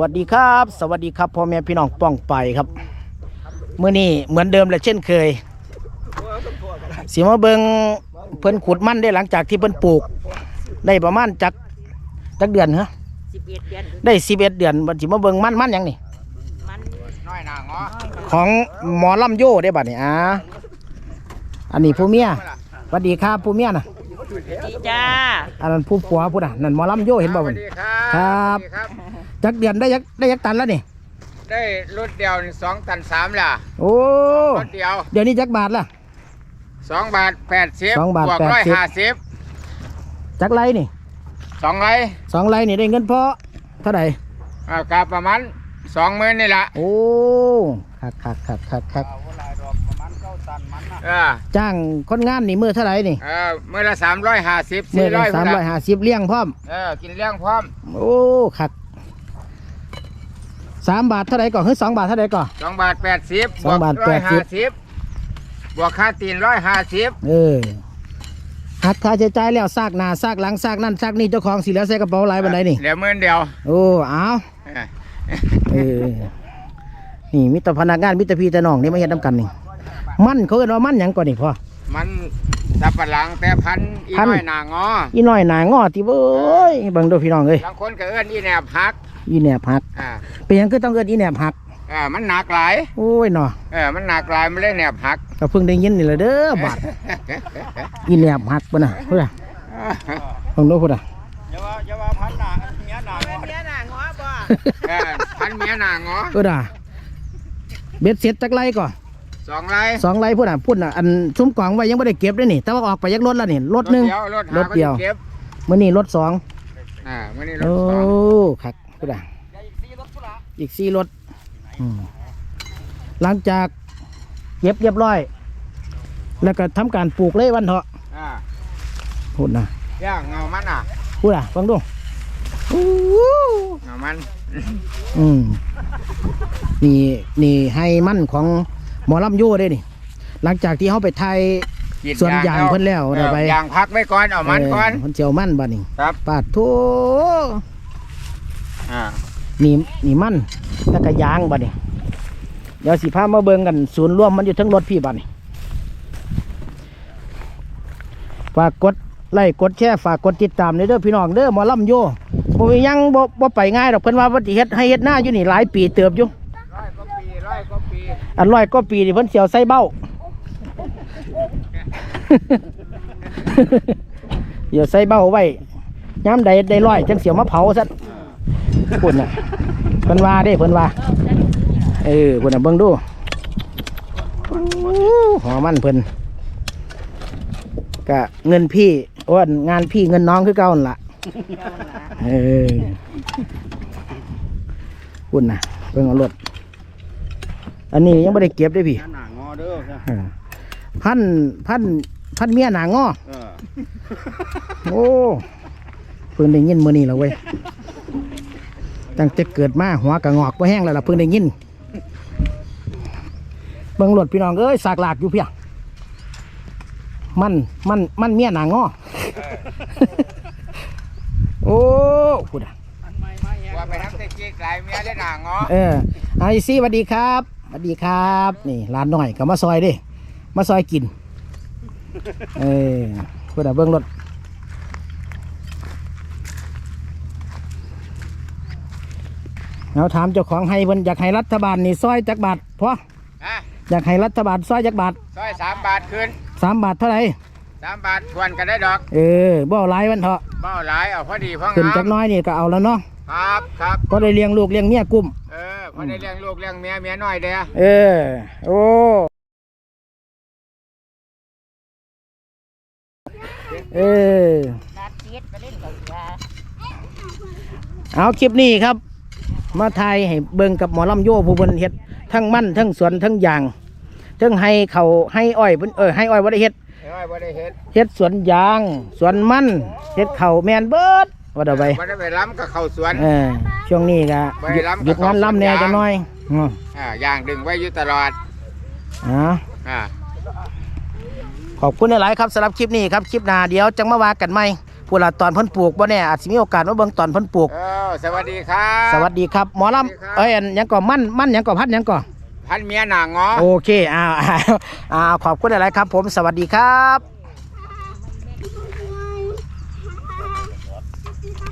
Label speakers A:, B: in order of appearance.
A: วัสดีครับสวัสดีครับพ่อแม่พี่น้องป้องไปครับมื้อนี้เหมือนเดิมและเช่นเคยสิมาเบิ่งเพิ่นขุดมันได้หลังจากที่เพิ่นปลูกได้ประมาณจักเดือนฮะ
B: 11 เดือน
A: ได้11 เดือนบัดสิมาเบิ่งมันหยังนี่
B: มัน
C: น้อยหนาง้อ
A: ของหมอลำโยได้บัดนี้อันนี้ผู้เมียสวัสดีครับผู้เมียน่ะ
B: ดีจ้า
A: อันนั้นผู้ผัวผู้น่ะนั่นหมอลำโยเห็นบ่บัดครับจักเดือนได้ยักตันแล้วนี่
C: ได้รถเดียว2 ตัน 3ล่ะ
A: โอ้
C: รถเดียว
A: เดี๋ยวนี้จักบาทละ
C: 2 บาท 80
A: 2 บาท
C: บวก
A: จักไรนี่
C: 2 ไร
A: 2 ไรนี่ได้เงินเพราะเท่าไหร่
C: กับประมาณ 20,000นี่ล่ะ
A: โอ้คักจ้างคนงานนี่มื้อเท่าไหร่นี่
C: มื้อละ350
A: มื้อละ350เลี้ยงพร้อม
C: กินเลี้ยงพร้อม
A: โอ้คัก3 บาทเท่าไหร่ก่อนคือ2 บาทเท่าไหร่ก่อน
C: 2 บาท 80
A: 2 บาท 80
C: บวกค่าตีน150
A: หักค่าใช้จ่ายแล้วซากหน้าซากหลังซากนั่นซากนี่เจ้าของสิแล้วใส่กระเป๋าหลายบันไดนี่
C: เหลือ10,000เดียว
A: โอ้เอานี่มิตรพนักงานมิตรพี่แต่น้องนี่มาเฮ็ดนำกันนี่มันเขาเอิ้นว่ามันหยังก่อนนี่พ่อ
C: มันสับปะหลังแต่พันอีน้อยหนางอ
A: อีน้อยหนางอติเว้ยเบิ่งดูพี่น้องเอ้ย
C: บางคนก็เอิ้นอีแหนบหัก
A: อีแหนบหักเป็นหยังคือต้องเอิ้นอีแหนบหัก
C: มันหนักหลาย
A: โอ้ยเนาะ
C: มันหนักหลายมันเลยแหนบหัก
A: ก็เพิ่งได้ยินนี่แหละเด้อบาดอีแหนบหักบ่น่ะพุ่นน่ะต้องดูพุ่นน่ะ
C: อย่าว่าพันหนาเมียหนางอบ่พันเมียหนางอ
A: ด่าเบ็ดเสร็จจักไรก่อน
C: 2 ไร
A: พุ่นน่ะอันซุ้มกล่องไว้ยังไม่ได้เก็บด้วยนี่แต่ว่าออกไปยักรถแล้วนี่รถหนึ่งรถเดียวมื่อนี้รถ2
C: มื่อนี้รถ2
A: โอ้ครับพุ่นน่ะอีก4 รถหลังจากเก็บเรียบร้อยแล้วก็ทำการปลูกเลยวันเถาะพุ่นน่ะ
C: ย่างเงามัน
A: พุ่นน่ะฟังดู
C: เงามัน
A: นี่ให้มันของหมอลำโย่ได้นี่หลังจากที่เขาไปไทยส่วนยางเพิ่นแล้ว
C: ไปยางพักไว้ก่อนเอามันก่อน
A: เพิ่นเจียวมันบ้านี่
C: ครับ
A: ปาดทั่วนี่มันแล้วก็ยางบ้านี่เดี๋ยวสิพามาเบิ่งกันศูนย์รวมมันอยู่ทั้งรถพี่บ้านี่ฝากกดไลค์กดแชร์ฝากกดติดตามเด้อพี่น้องเด้อหมอลำโย่บ่ยังบ่ไปง่ายดอกเพิ่นว่าบ่สิเฮ็ดให้เฮ็ดหน้าอยู่นี่หลายปีเติบอยู่
C: 100 กว่าปี
A: อัน100 กว่าปีนี่เพิ่นเสียวใส่เบ้าเดี๋ยวใส่เบ้าไว้ย้ำใดได้100จังเสียวมาเผาซะพุ่นน่ะเพิ่นว่าเด้เพิ่นว่าพุ่นน่ะเบิ่งดูหอมันเพิ่นก็เงินพี่ว่างานพี่เงินน้องคือเก่านั่นล่ะพุ่นน่ะเบิ่งเอารถอันนี้ยังไม่ได้เก็บได้พี่พันเมียหนางอโอ้เพิ่งได้ยินมื้อนี้แล้วเว้ยตั้งแต่เกิดมาหัวกระงอกบ่แห้งแล้วล่ะเพิ่งได้ยินเบิ่งรถพี่น้องเอ้ยสากหลากอยู่เพียงมันเมียหนางอโอ้พูด
C: ว่าไปทำเตจิกหลายเมียได้หนางอ
A: ไอซี่สวัสดีครับสวัสดีครับนี่ร้านหน่อยกับมาซอยดิมาซอยกินพูดเบิ้งรถเราถามเจ้าของให้เพิ่นอยากให้รัฐบาลนี่ซอยจักบาทพออยากให้รัฐบาลซอยจักบาท
C: ซอย3 บาทคืน
A: 3 บาทเท่าไหร่
C: 3 บาททวนกันได้ดอก
A: บ่เอาหลายวันเถอะ
C: บ่เอาหลายเอาพอดีพองาม
A: ขึ้นจักน้อยนี่ก็เอาแล้วเนาะ
C: ครับ
A: ก็ได้เลี้ยงลูกเลี้ยงเมียกุ้ม
C: พอได้เลี้ยงลูกเลี้ยงเมียน้อยเด้
A: โอ้เอาคลิปนี้ครับมาไทยให้เบิ่งกับหมอลำโย่ผู้บนเฮ็ดทั้งมันทั้งสวนทั้งยางทั้งให้เขาให้อ้อยให้อ้อยบ่ได้เฮ็ดเฮ็ดสวนยางสวนมันเฮ็ดเขาแมนเบิดว่าเดี๋ยวไป
C: ไปล้ำกับเขาสวน
A: ช่วงนี้ก็หยุดงานล้ำแน่จะน้อย
C: อย่างดึงไว้อยู่ตลอด
A: ขอบคุณหลายครับสำหรับคลิปนี้ครับคลิปหน้าเดี๋ยวจังมาว่ากันใหม่ผู้ละตอนเพิ่นปลูกบ่แน่อาจจะมีโอกาสมาเบิ่งตอนเพิ่นปลูก
C: สวัสดีครับ
A: สวัสดีครับหมอลำอันยังก่อมั่นยังก่อพัดยังก่อ
C: พันเมียหนางอ
A: โอเคอ้าวขอบคุณหลายๆครับผมสวัสดีครับ